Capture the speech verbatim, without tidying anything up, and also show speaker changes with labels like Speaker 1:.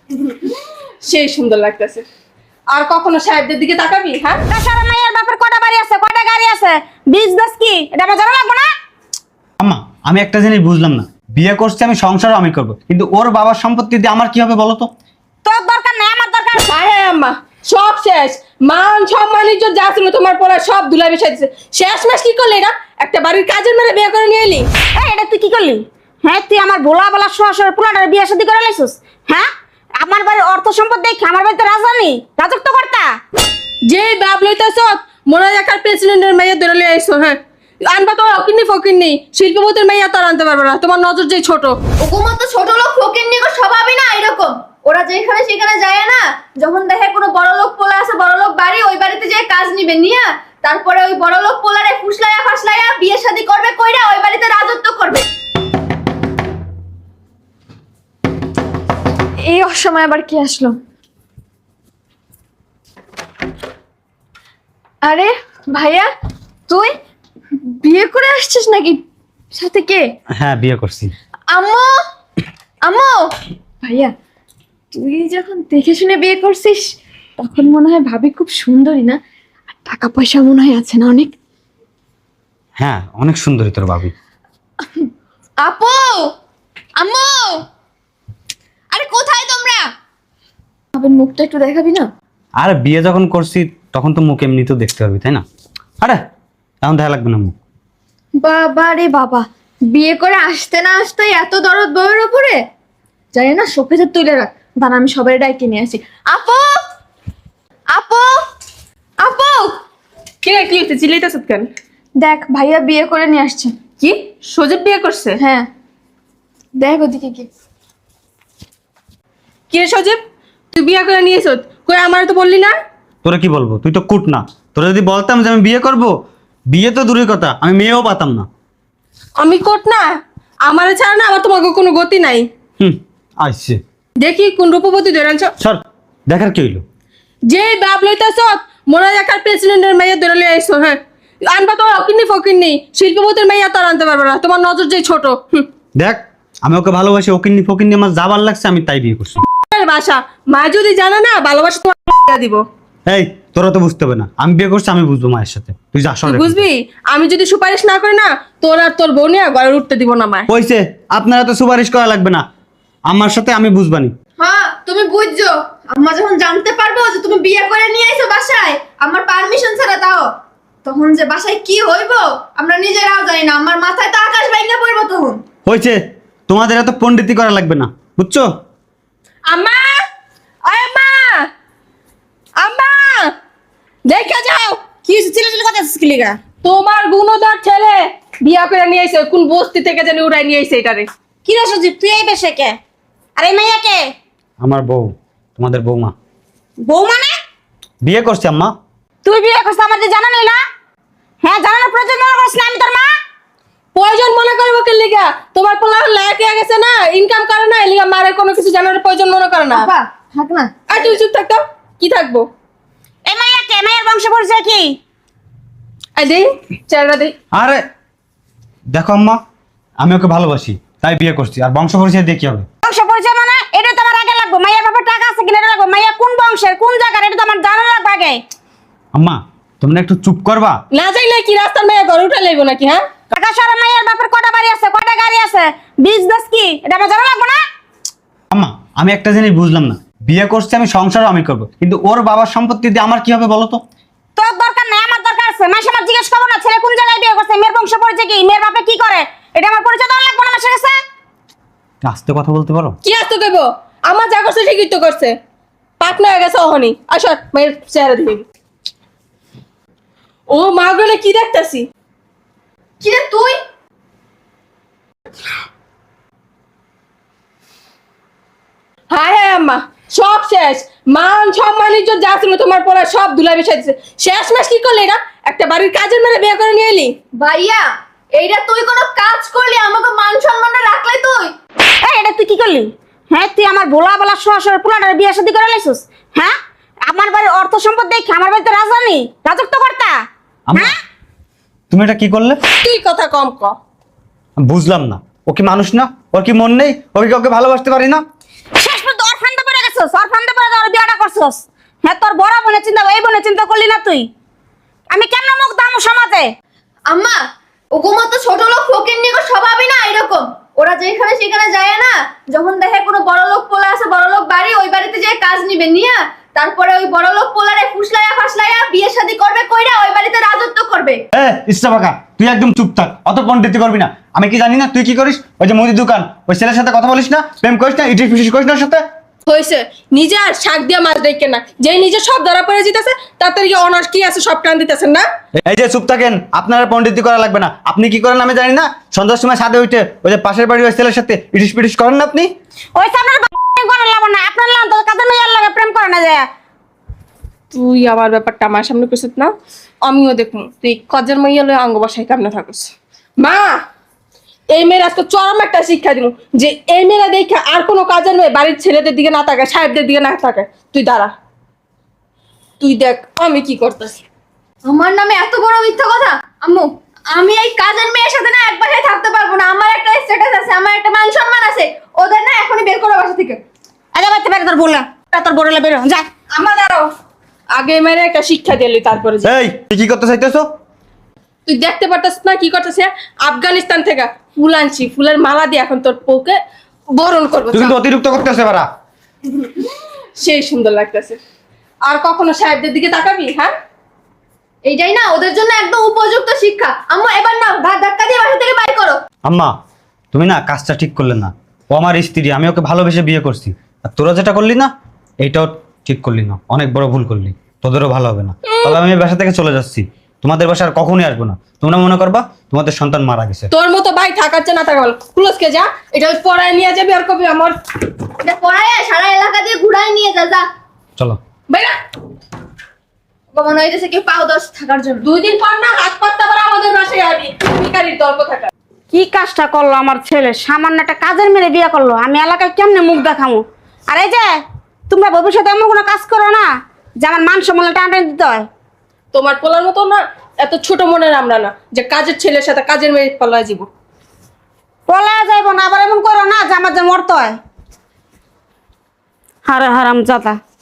Speaker 1: সেই সুন্দর লাগতেছে। আর কখনো সাহেবদের দিকে তাকাবি? হ্যাঁ,
Speaker 2: তাছাড়া মাইয়ার বাপের কটা বাড়ি আছে, কটা গাড়ি আছে, বিজনেস কি এটা আমার জানা লাগবে না?
Speaker 3: আম্মা আমি একটা জিনিস বুঝলাম না, বিয়ে করছি আমি, সংসারও আমি করব, কিন্তু ওর বাবার সম্পত্তি দিয়ে আমার কি হবে বলো তো?
Speaker 2: তোর দরকার নাই, আমার দরকার।
Speaker 1: হ্যাঁ হ্যাঁ আম্মা, সব শেষ। মান সম্মান ইজ্জত যা ছিল তোমার পড়া সব ধুলাই মিশাই দিছে। শেষ মাস কি করলি না? একটা বাড়ির কাজের মেয়ে বিয়ে করে নিয়ে এলি।
Speaker 2: এই এটা তুই কি করলি? হ্যাঁ, তুই আমার ভোলা বলা শ্বশুর পোলাটার বিয়ে শাদী করে লাইছিস। হ্যাঁ, আমার বাড়ির অর্থ সম্পদ দেখে আমার বাড়িতে রাজধানী রাজত্ব কর্তা।
Speaker 1: যে বাপ লইতেছ মনে হয় একার প্রেসিডেন্টের মেয়ে ধরে লিয়ে আইসো। হ্যাঁ, আনবা তো অকিন্নি ফকিন্নি, শিল্পপতির মেয়ে তো আর আনতে পারবে না, তোমার নজর যে ছোট।
Speaker 4: ওগুমত তো ছোট লোক ফকির নিগো স্বভাবই না এরকম। ওরা যেখানে সেখানে যায় না, যখন দেখে কোনো বড় লোক পোলা আছে, বড় লোক বাড়ি, ওই বাড়িতে যে কাজ নিবে নিয়া তারপরে ওই বড় লোক পোলারে ফুসলাইয়া ফাসলাইয়া বিয়ে শাদী করবে, কইরা ওই বাড়িতে রাজত্ব করবে।
Speaker 5: এই অসময় আবার কি আসলো? আরে ভাইয়া, তুই বিয়ে করে আসছিস নাকি? সাথে কে?
Speaker 3: হ্যাঁ বিয়ে করছি।
Speaker 5: আম্মু, আম্মু। ভাইয়া, তুই যখন দেখে শুনে বিয়ে করছিস তখন মনে হয় ভাবি খুব সুন্দরী না? আর টাকা পয়সা মনে হয় আছে না অনেক?
Speaker 3: হ্যাঁ অনেক সুন্দরী তোর ভাবি।
Speaker 5: আপু, আম্মু, আরে কোথায় তোমরা? ভাবের মুখটা একটু দেখাবি না?
Speaker 3: আর বিয়ে যখন করছি তখন তো মুখ এমনিতেও দেখতে পারবি তাই না? আরে এখন দেখা লাগবে না মুখ।
Speaker 5: বাবা রে বাবা, বিয়ে করে আসতে না আসতে এত দরদ বউয়ের উপরে? জানি না, শোকেজে তুলে রাখ, দাঁড়া আমি সবাই ডাইকে নিয়ে আসি। আপু, আপু, আপু।
Speaker 1: কি রে, কি হচ্ছে? চিল্লাইতেছ কেন?
Speaker 5: দেখ ভাইয়া বিয়ে করে নিয়ে আসছে।
Speaker 1: কি সজীব বিয়ে করছে?
Speaker 5: হ্যাঁ, দেখ ওদিকে কি।
Speaker 1: কি রে সজীব, তুই বিয়ে করে নিয়েছ? কই আমার তো বললি না?
Speaker 3: তোরা কি বলবো, তুই তো কুট না। তোরা যদি বলতাম যে আমি বিয়ে করব, বিয়ে তো দূরের কথা, আমি মেয়েও পাতাম না।
Speaker 1: আমি কোট না? আমার ছাড়া না আমার তোমাকে কোনো গতি নাই।
Speaker 3: হুম আসছে,
Speaker 1: দেখি কোন রূপবতী ধরে আনছ।
Speaker 3: সর, দেখার কি হইলো?
Speaker 1: যে বাপ লইতেছ মনে হয় একার প্রেসিডেন্টের মেয়ে ধরে লিয়ে আইসো। হ্যাঁ, আনবা তো অকিন্নি ফকিন্নি, শিল্পপতির মেয়ে তো আর আনতে পারবে না, তোমার নজর যে ছোট। হুম,
Speaker 3: দেখ আমি ওকে ভালোবাসি, ওকিন্নি ফকিন্নি আমার যাবার লাগছে, আমি তাই বিয়ে করছি।
Speaker 1: বাসা মা যদি জানে না ভালোবাসা তোমার দিব।
Speaker 3: এই তোরা তো বুঝতে হবে না, আমি বিয়ে করছি, আমি বুঝবো মায়ের সাথে। তুই যা সর।
Speaker 1: তুই বুঝবি, আমি যদি সুপারিশ না করি না তোর আর তোর বউ নিয়ে ঘরে উঠতে দিব না মায়।
Speaker 3: কইছে আপনারা তো সুপারিশ করা লাগবে না, আমার সাথে আমি বুঝবানি।
Speaker 4: হ্যাঁ তুমি বুঝছো, আম্মা যখন জানতে পারবো যে তুমি বিয়ে করে নিয়ে আইছো বাসায় আমার পারমিশন ছাড়া, তাও তখন যে বাসায় কি হইব আমরা নিজেরাও জানি না। আমার মাথায় তো আকাশ ভাঙা পড়বো তখন।
Speaker 3: হয়েছে, তোমাদের এত পণ্ডিতি করা লাগবে না, বুঝছো?
Speaker 1: আম্মা, ওই আম্মা, আম্মা দেখে যাও।
Speaker 2: কি ছিল ছিল কথা স্কিলিগা?
Speaker 1: তোমার গুণধর ছেলে বিয়া করে নিয়ে আইছে, কোন বস্তি থেকে জানি উড়াই নিয়ে আইছে এটারে।
Speaker 2: কি রে সজীব, তুই এই বেশে কে? আর এই মাইয়া কে?
Speaker 3: আমার বউ, তোমাদের বৌমা।
Speaker 2: বউ মানে?
Speaker 3: বিয়ে করছি আম্মা।
Speaker 2: তুই বিয়ে করছিস আমার যে জানা নেই না? হ্যাঁ, জানানোর প্রয়োজন মনে করছিস না আমি তোর মা?
Speaker 1: প্রয়োজন মনে করবো কে লিগা? তোমার পোলা লায়ক হয়ে গেছে না, ইনকাম করে না, এলিগা মারে কোনো কিছু জানার প্রয়োজন মনে করে না।
Speaker 5: বাবা থাক না।
Speaker 1: আর তুই চুপ থাকতো কি থাকবো?
Speaker 2: এই মাইয়া কে? মাইয়ার বংশ পরিচয় কি?
Speaker 1: আই দেই চেহারা দেই।
Speaker 3: আরে দেখো আম্মা, আমি ওকে ভালোবাসি তাই বিয়ে করছি, আর বংশ পরিচয় দিয়ে কি হবে?
Speaker 2: বংশ পরিচয় মানে এটা তো আমার আগে লাগবে। মাইয়ার বাবার টাকা আছে কিনা এটা লাগবে। মাইয়া কোন বংশের, কোন জায়গার, এটা তো আমার জানা লাগবে আগে।
Speaker 3: আম্মা তোমরা একটু চুপ করবা?
Speaker 1: না যাইলে কি রাস্তার মেয়ে ঘরে উঠে লাইবো নাকি? হ্যাঁ,
Speaker 2: টাকা সারা মাইয়ার বাপের কটা বাড়ি আছে, কটা গাড়ি আছে, বিজনেস কি এটা আমার জানা লাগবে না?
Speaker 3: আম্মা আমি একটা জিনিস বুঝলাম না, বিয়ে করছি আমি, সংসারও আমি করব, কিন্তু ওর বাবার সম্পত্তি দিয়ে আমার কি হবে বলো তো?
Speaker 2: তোর দরকার নাই, আমার দরকার আছে। মাসে মাস জিজ্ঞেস করবো না ছেলে কোন জায়গায় বিয়ে করছে, মেয়ের বংশ পরিচয় কি, মেয়ের বাপে কি করে, এটা আমার পরিচয় দেওয়া লাগবে না মাসের কাছে?
Speaker 3: আস্তে কথা বলতে পারো?
Speaker 1: কি আসতে কইব? আমার যা করছে ঠিকই তো করছে, পাটনা হয়ে গেছে অহনি। আসর মেয়ের চেহারা দেখবি। ও মা গলে কি দেখতাছি?
Speaker 4: কি রে তুই?
Speaker 1: হ্যাঁ হ্যাঁ আম্মা, সব শেষ। মান সম্মান ইজ্জত যা ছিল তোমার পড়া সব ধুলাই মিশাই দিছে। শেষ মাস কি করলি না? একটা বাড়ির কাজের মেয়ে বিয়ে করে নিয়ে এলি।
Speaker 4: ভাইয়া এইটা তুই কোনো কাজ করলি আমাকে মান সম্মানটা রাখলে তুই?
Speaker 2: এই এটা তুই কি করলি? হ্যাঁ, তুই আমার ভোলা বলা শ্বশুর পোলাটার বিয়ে শাদী করে লাইছিস। হ্যাঁ, আমার বাড়ির অর্থ সম্পদ দেখে আমার বাড়িতে রাজধানী রাজত্ব কর্তা।
Speaker 3: আম্মা
Speaker 2: হ্যাঁ,
Speaker 3: তুমি এটা কি করলে?
Speaker 1: তুই কথা কম ক।
Speaker 3: বুঝলাম না, ও কি মানুষ না? ওর কি মন নেই? ওকে কি ওকে ভালোবাসতে পারি না?
Speaker 2: শেষ পর্যন্ত অরফানটা পড়ে গেছিস। করছস আর ফান্দে পড়ে তোর বিয়াটা করছস। হ্যাঁ তোর বড় বোনের চিন্তা এই বোনের চিন্তা করলি না তুই? আমি কেন মুখ দামু সমাজে?
Speaker 4: আম্মা ওগো মতো ছোট লোক ফকির নিগো স্বভাবই না এরকম। ওরা যেখানে সেখানে যায় না, যখন দেখে কোনো বড় লোক পোলা আছে বড় লোক বাড়ি, ওই বাড়িতে যে কাজ নিবে নিয়া তারপরে ওই বড় লোক পোলারে ফুসলাইয়া ফাসলাইয়া বিয়ে শাদী করবে কইরা ওই বাড়িতে রাজত্ব করবে।
Speaker 3: এ ইস্তাবাকা, তুই একদম চুপ থাক, অত পণ্ডিতি করবি না। আমি কি জানি না তুই কি করিস? ওই যে মুদির দোকান, ওই ছেলের সাথে কথা বলিস না, প্রেম করিস না, ইটিস পিটিস করিস না ওর সাথে।
Speaker 1: হয়েছে নিজে আর শাক দিয়ে মাছ দেখে না, যেই নিজে সব ধরা পড়ে যেতেছে তাতে কি অনার্স কি আছে সব টান দিতেছেন না।
Speaker 3: এই যে চুপ থাকেন, আপনারা পণ্ডিতি করা লাগবে না। আপনি কি করেন আমি জানি না, সন্ধ্যার সময় ছাদে উঠে ওই যে পাশের বাড়ির ওই ছেলের সাথে ইটিস পিটিস করেন না আপনি?
Speaker 2: ওই সামনের করে লাভ না, আপনার লাভ তো কাদের মেয়ের লাগে প্রেম করে না যায়।
Speaker 1: তুই আমার ব্যাপারটা আমার সামনে করছিস না, আমিও দেখুন তুই কজের মাইয়া লয়ে অঙ্গ বসাই কেমনে থাকিস। মা এই মেয়ের আজকে চরম একটা শিক্ষা দিব যে এই মেয়েরা দেখে আর কোনো কাজের মেয়ে বাড়ির ছেলেদের দিকে না তাকায়, সাহেবদের দিকে না তাকায়। তুই দাঁড়া, তুই দেখ আমি কি করতেছি।
Speaker 4: আমার নামে এত বড় মিথ্যা কথা? আম্মু আমি এই কাজের মেয়ের সাথে না এক বাসায় থাকতে পারবো না। আমার একটা স্ট্যাটাস আছে, আমার একটা মান সম্মান আছে, ওদের না এখনই বের করো বাসা থেকে।
Speaker 2: আগে বাইতে পারে তোর বললা, তোর বড়লা বেরো যা।
Speaker 1: আমার দাঁড়াও, আগে এই মেয়ের একটা শিক্ষা দিলি তারপরে যা।
Speaker 3: এই তুই কি করতে চাইতেছো?
Speaker 1: তুই দেখতে পারতাস না কি করতেছে? আফগানিস্তান থেকে ফুল আনছি, ফুলের মালা দিয়ে এখন তোর পৌকে বরণ করবো।
Speaker 3: তুই কিন্তু অতিরিক্ত করতেছে বাড়া।
Speaker 1: সেই সুন্দর লাগতেছে। আর কখনো সাহেবদের দিকে তাকাবি? হ্যাঁ,
Speaker 4: এইটাই না ওদের জন্য একদম উপযুক্ত শিক্ষা। আম্মু এবার না ঘাট ধাক্কা দিয়ে বাসা থেকে বাইর করো।
Speaker 3: আম্মা তুমি না কাজটা ঠিক করলে না। ও আমার স্ত্রী, আমি ওকে ভালোবেসে বিয়ে করছি। আর তোরা যেটা করলি না এইটাও ঠিক করলি না, অনেক বড় ভুল করলি। তোদেরও ভালো হবে না। তবে আমি এই বাসা থেকে চলে যাচ্ছি, তোমাদের বাসা আর কখনোই আসবো না। তোমরা মনে করবা তোমাদের সন্তান মারা গেছে।
Speaker 1: তোর মতো ভাই থাকাচ্ছে না থাকা বল, ক্লোজকে যা, এটা পড়ায় নিয়ে যাবি। আর কবি আমার
Speaker 4: এটা পড়ায় সারা এলাকা দিয়ে ঘুরাই নিয়ে যা যা।
Speaker 3: চলো
Speaker 1: ভাইরা
Speaker 4: মনে হইতেছে কেউ পাও দশ থাকার জন্য।
Speaker 1: দুই দিন পর না হাত পাততে আবার আমাদের বাসায় আবি, ভিখারির দল কোথাকার।
Speaker 2: কি কাজটা করলো আমার ছেলে? সামান্য একটা কাজের মেয়ে বিয়ে করলো, আমি এলাকায় কেমনে মুখ দেখামো? আর এই যে তোমরা ভবিষ্যতে এমন কোনো কাজ করো না যে আমার মান সম্মান টানটান দিতে হয়।
Speaker 1: তোমার পোলার মতো না এত ছোট মনের আমরা না যে কাজের ছেলের সাথে কাজের মেয়ে পাল্লায় যাব।
Speaker 2: পলা যাইব না, আবার এমন করো না যে আমার যে মরতে হয়। হারে হারাম জাতা।